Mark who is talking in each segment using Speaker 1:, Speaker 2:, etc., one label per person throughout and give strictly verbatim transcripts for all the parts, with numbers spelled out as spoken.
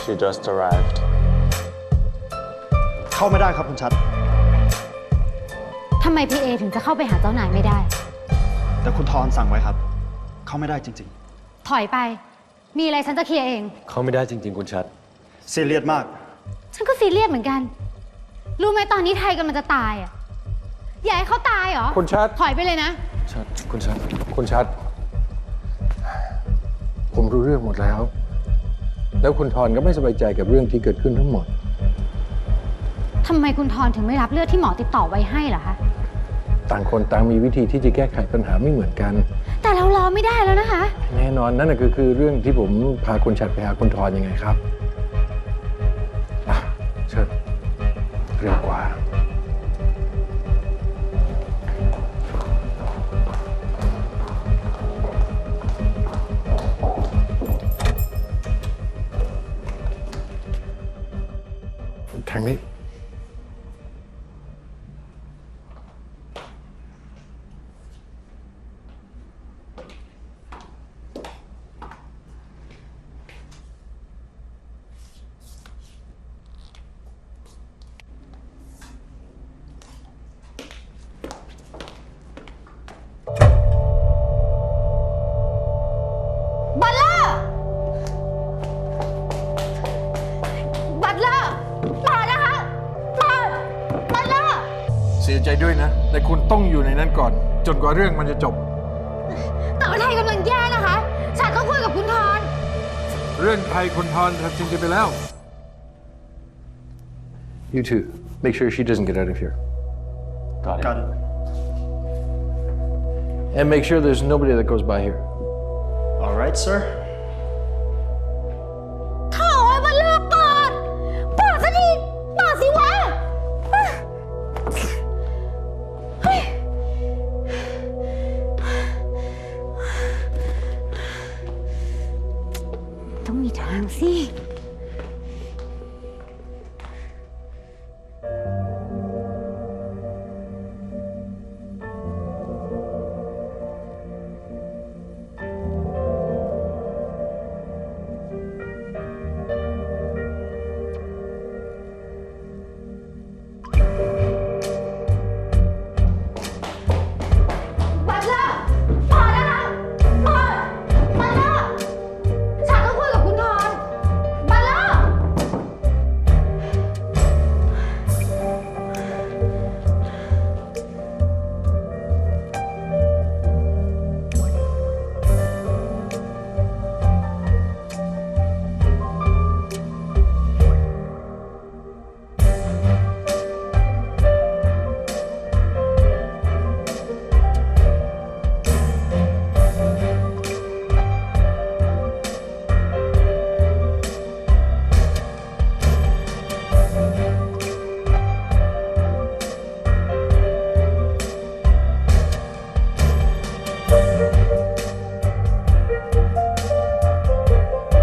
Speaker 1: She just arrived.
Speaker 2: เข้าไม่ได้ครับคุณชัด
Speaker 3: ทำไมพี่เอถึงจะเข้าไปหาเจ้านายไม่ได้
Speaker 2: แต่คุณทอนสั่งไว้ครับ เข้าไม่ได้จริง
Speaker 3: ๆถอยไปมีอะไรฉันจะเคลียร์เอง
Speaker 4: เข้าไม่ได้จริงๆคุณชัด
Speaker 2: ซีเรียสมาก
Speaker 3: ฉันก็ซีเรียสเหมือนกันรู้ไหมตอนนี้ไทยกำลังจะตายอ่ะอยากให้เขาตายเหรอ
Speaker 4: คุณชัด
Speaker 3: ถอยไปเลยนะ
Speaker 4: ชัดคุณชัดคุณชัดผมรู้เรื่องหมดแล้วแล้วคุณทอนก็ไม่สบายใจกับเรื่องที่เกิดขึ้นทั้งหมด
Speaker 3: ทำไมคุณทอนถึงไม่รับเลือดที่หมอติดต่อไว้ให้ล่ะคะ
Speaker 4: ต่างคนต่างมีวิธีที่จะแก้ไขปัญหาไม่เหมือนกัน
Speaker 3: แต่เรารอไม่ได้แล้วนะคะ
Speaker 4: แน่นอนนั่นคือคือเรื่องที่ผมพาคุณชัดไปหาคุณทอนยังไงครับเชิญเร็วกว่าทางนี้เสียใจด้วยนะแต่คุณต้องอยู่ในนั้นก่อนจนกว่าเรื่องมันจะจบ
Speaker 3: แต่ว่าไทยกำลังแย่นะคะฉันต้องคุยกับคุณทอน
Speaker 4: เรื่องไทยคุณทอนทำจริงๆไปแล้ว You too make sure she doesn't get out of here
Speaker 1: Got it
Speaker 2: Got it
Speaker 4: and make sure there's nobody that goes by here
Speaker 2: All right sir
Speaker 3: โถ่มันเลิกก่อนเปิดสักทีเปิดสิวะต้องมีทางสิ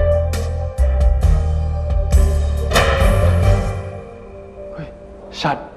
Speaker 4: ชัด